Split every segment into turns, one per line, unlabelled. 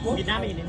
ปิดหน้าไปอีกนิด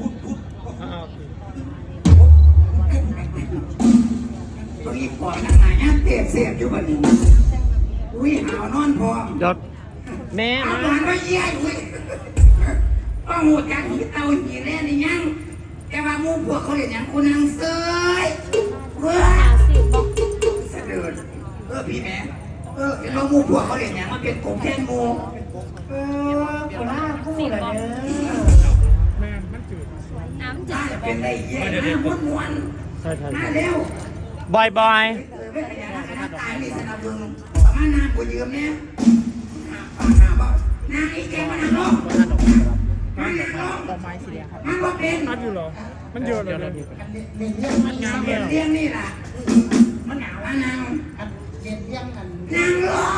ตัวนี้ปอดหนาเนี่ยเตะเสียบอยู่บัดนี้อุ้ยหาวนอนพอ
เดี๋ยวแม่
เอาหวานมาเยี่ยอุ้ยป้าหูจักที่เตาหีแร่นี่ยังแต่ว่ามูพวกเขาเรียนยังคุณนางเซยเว้ยเสด็จพี่แม่เห็นว่ามูพวกเขาเรียนยังมันเป็นกบแทนมูคนหน้าคู่เลยเนี่ย
แม่มันจืด
น้ำจืด
เป็นได้เยี่ยมม้วน
ใช่
มาเร็ว
บอย
ตายนี่สนับสนุนประมาณนากูยืมเนี่ยปากหน้าบอกนาไอ้แกมันนั่งลงมันนั่งลงมันว่าเป็น
มันอยู่หรอมันเยอะเลย
มันงามเลี้ยงนี่แหละมันหนาวนางเลี้ยงกันนางลง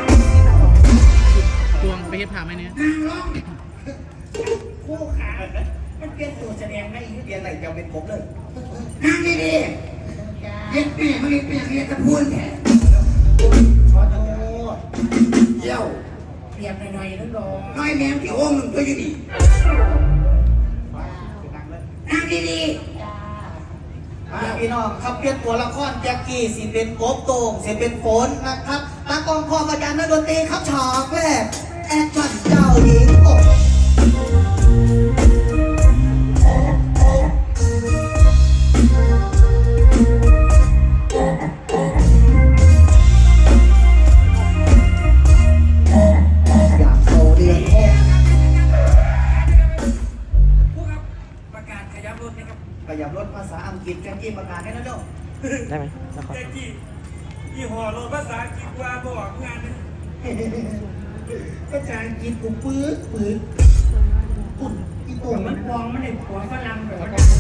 ตวงไปเฮ็ดผ่าไหมเนี่ย
นางลงคู่ขามันเปลี่ยนตัวแสดงได้เปลี่ยนอะไรจะเป็นผมเลยนางดีดีเย็ดแม่มันเปลี่ยนเรียนตะพูนแท้ขอโทษเยี่ยวเปลี่ยนหน่อยนึงก่อนน้อยแม่ที่โอ่งหนึ่งตัวอยู่ดีนางดีดี
พี่น้องครับเปลี่ยนตัวละครแจ็คกี้สิเป็นโกบโต่งสิเป็นฝนนะครับตากองพอกับยานนักดนตรีครับฉากแรกแอคชั่นเจ้าหญิงกบอยากโตเดือนหก
ผู้ครับประกาศขยับรถนะครับ
ขยับรถภาษาอังกฤษแจ็คกี้ประกาศให้นะเจ้า
ได้ไหมแล้ว
แจ็คกี้ยี่ห้อรถภาษาอังกฤษว่าบอกงานนะ
ภาษาอังกฤษกูปื๊ดปื๊ดปุ่นอีตัว
มันฟองมันได้หัวฝรั่งแบบ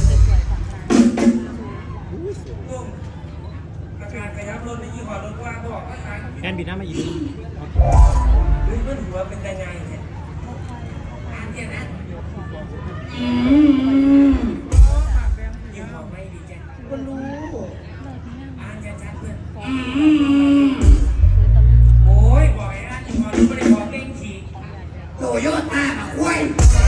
ประกาศขยับรถในยี่ห้อรถว่าบอกภาษาอังกฤษ
แอนบิดหน้ามาอีก
หรือมันหัวเป็นยังไงเนี่ยอ่านแค่นั้นยี่ห้อไม่ดีจ้ะ
ก็รู้
อ่านชัดๆเพื่อนโอ้ยบอกไอ้ร้านยี่ห้อนี้ไม่ได้บอกเก่งฉีกโตโยต้ามาคุย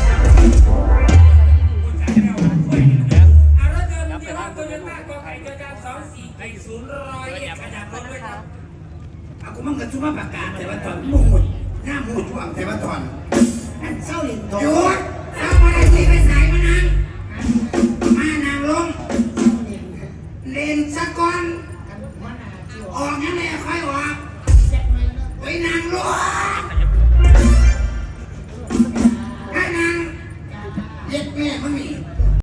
เอารถยนต์ยี่ห้อโตโยต้ากอไก่จอจาน2440ขยับรถด้วยครับเอากูมั่งกันชุ่มประกาศแต่ว่าตอนมุ่งหมดหน้ามูช่วงแต่ว่าตอน
เศร้าหลิงทอง
หยุดเอามาได้ที่ไปใส่มานั่งมานั่งลงเล่นสักก่อนออกงั้นเลยค่อยออกไปนั่งลงให้นั่งเย็ดแม่มันมี